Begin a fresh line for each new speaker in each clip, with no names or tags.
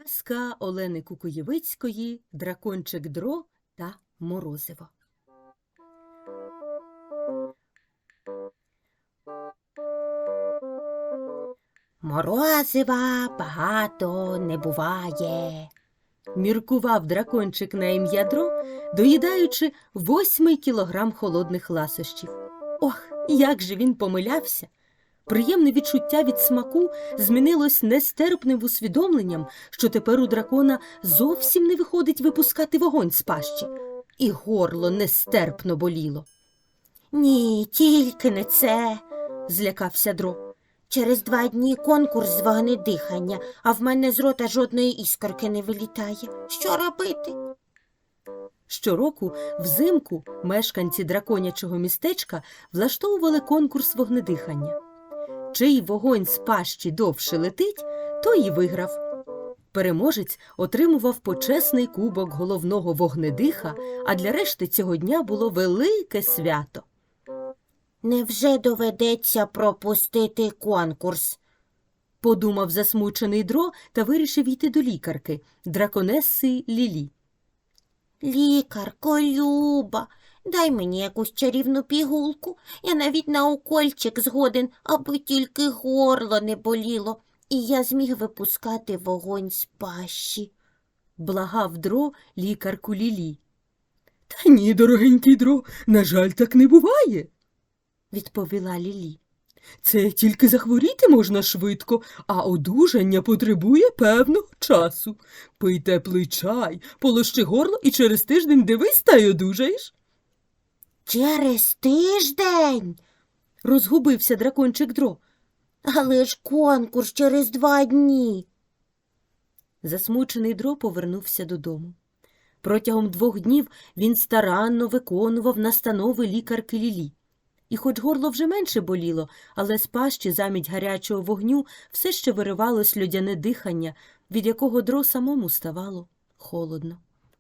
Казка Олени Кукуєвицької «Дракончик Дро та Морозиво».
Морозива багато не буває.
Міркував дракончик на ім'я Дро, доїдаючи 8 кілограм холодних ласощів. Ох, як же він помилявся! Приємне відчуття від смаку змінилось нестерпним усвідомленням, що тепер у дракона зовсім не виходить випускати вогонь з пащі. І горло нестерпно боліло.
Ні, тільки не це,
Злякався Дро.
Через 2 дні конкурс з вогнедихання, а в мене з рота жодної іскорки не вилітає. Що робити?
Щороку взимку мешканці драконячого містечка влаштовували конкурс вогнедихання. Чий вогонь з пащі довше летить, той і виграв. Переможець отримував почесний кубок головного вогнедиха, а для решти цього дня було велике свято.
Невже доведеться пропустити конкурс?
Подумав засмучений Дро та вирішив йти до лікарки, драконеси Лілі.
Лікарко Люба, дай мені якусь чарівну пігулку. Я навіть на укольчик згоден, аби тільки горло не боліло, і я зміг випускати вогонь з пащі.
Благав Дро лікарку Лілі. «Та ні, дорогенький Дро, на жаль, так не буває», – відповіла Лілі. «Це тільки захворіти можна швидко, а одужання потребує певного часу. Пий теплий чай, полощи горло і через тиждень дивись та й одужаєш».
Через тиждень?
Розгубився дракончик Дро.
Але ж конкурс через 2 дні.
Засмучений Дро повернувся додому. Протягом 2 днів він старанно виконував настанови лікарки Лілі. І хоч горло вже менше боліло, але з пащі замість гарячого вогню все ще виривалось льодяне дихання, від якого Дро самому ставало холодно.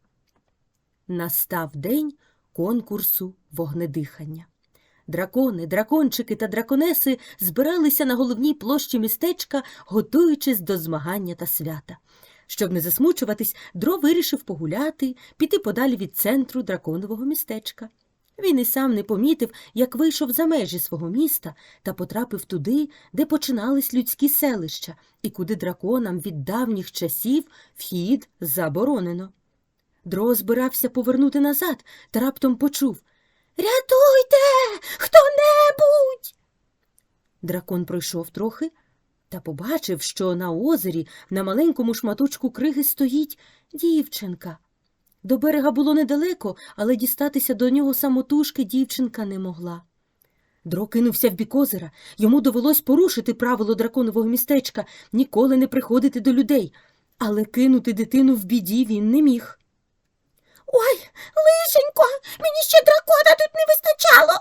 Настав день конкурсу вогнедихання. Дракони, дракончики та драконеси збиралися на головній площі містечка, готуючись до змагання та свята. Щоб не засмучуватись, Дро вирішив погуляти, піти подалі від центру драконового містечка. Він і сам не помітив, як вийшов за межі свого міста та потрапив туди, де починались людські селища, і куди драконам від давніх часів вхід заборонено. Дро збирався повернути назад та раптом почув:
Рятуйте! Хто-небудь!
Дракон пройшов трохи та побачив, що на озері на маленькому шматочку криги стоїть дівчинка. До берега було недалеко, але дістатися до нього самотужки дівчинка не могла. Дро кинувся в бік озера. Йому довелось порушити правило драконового містечка – ніколи не приходити до людей. Але кинути дитину в біді він не міг.
Ой, лишенько, мені ще дракона тут не вистачало.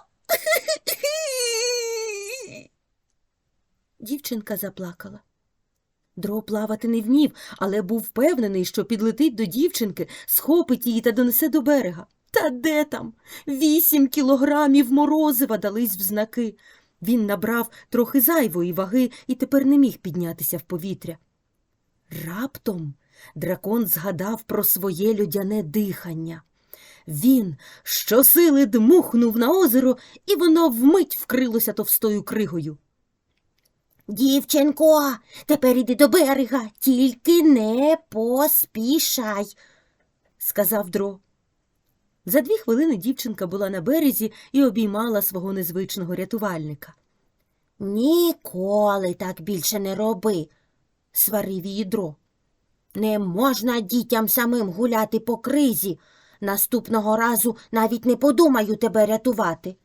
Дівчинка заплакала. Дро плавати не вмів, але був впевнений, що підлетить до дівчинки, схопить її та донесе до берега. Та де там? 8 кілограмів морозива дались в знаки. Він набрав трохи зайвої ваги і тепер не міг піднятися в повітря. Раптом дракон згадав про своє льодяне дихання. Він щосили дмухнув на озеро, і воно вмить вкрилося товстою кригою.
Дівчинко, тепер іди до берега, тільки не поспішай,
сказав Дро. За 2 хвилини дівчинка була на березі і обіймала свого незвичного рятувальника.
Ніколи так більше не роби,
Сварив її Дро.
Не можна дітям самим гуляти по кризі. Наступного разу навіть не подумаю тебе рятувати.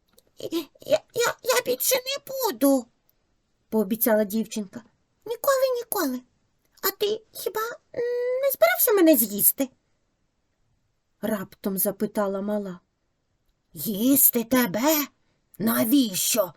Я більше не буду, пообіцяла дівчинка. Ніколи. А ти хіба не збирався мене з'їсти?
Раптом запитала мала.
Їсти тебе? Навіщо?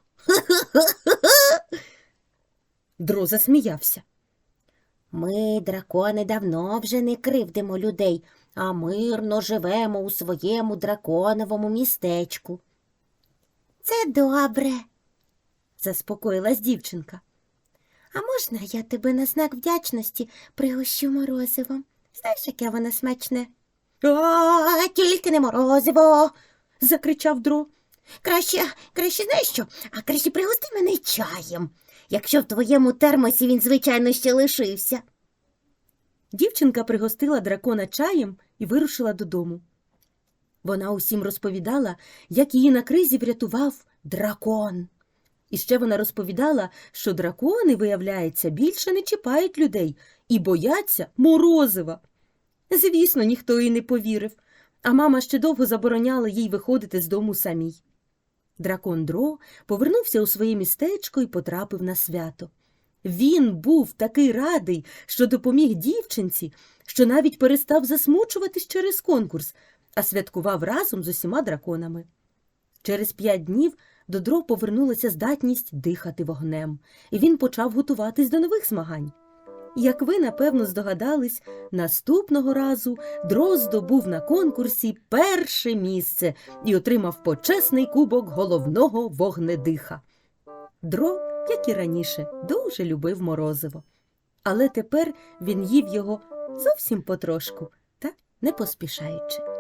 Дро засміявся.
Ми, дракони, давно вже не кривдимо людей, а мирно живемо у своєму драконовому містечку. Це добре,
заспокоїлась дівчинка.
А можна я тебе на знак вдячності пригощу морозивом? Знаєш, яке воно смачне? Тільки не морозиво.
Закричав Дро.
Краще знаєш що? А краще пригости мене чаєм, якщо в твоєму термосі він, звичайно, ще лишився.
Дівчинка пригостила дракона чаєм і вирушила додому. Вона усім розповідала, як її на кризі врятував дракон. І ще вона розповідала, що дракони, виявляється, більше не чіпають людей і бояться морозива. Звісно, ніхто їй не повірив, а мама ще довго забороняла їй виходити з дому самій. Дракон Дро повернувся у своє містечко і потрапив на свято. Він був такий радий, що допоміг дівчинці, що навіть перестав засмучуватись через конкурс, а святкував разом з усіма драконами. Через 5 днів до Дро повернулася здатність дихати вогнем, і він почав готуватись до нових змагань. Як ви, напевно, здогадались, наступного разу Дро здобув на конкурсі перше місце і отримав почесний кубок головного вогнедиха. Дро, як і раніше, дуже любив морозиво. Але тепер він їв його зовсім потрошку та не поспішаючи.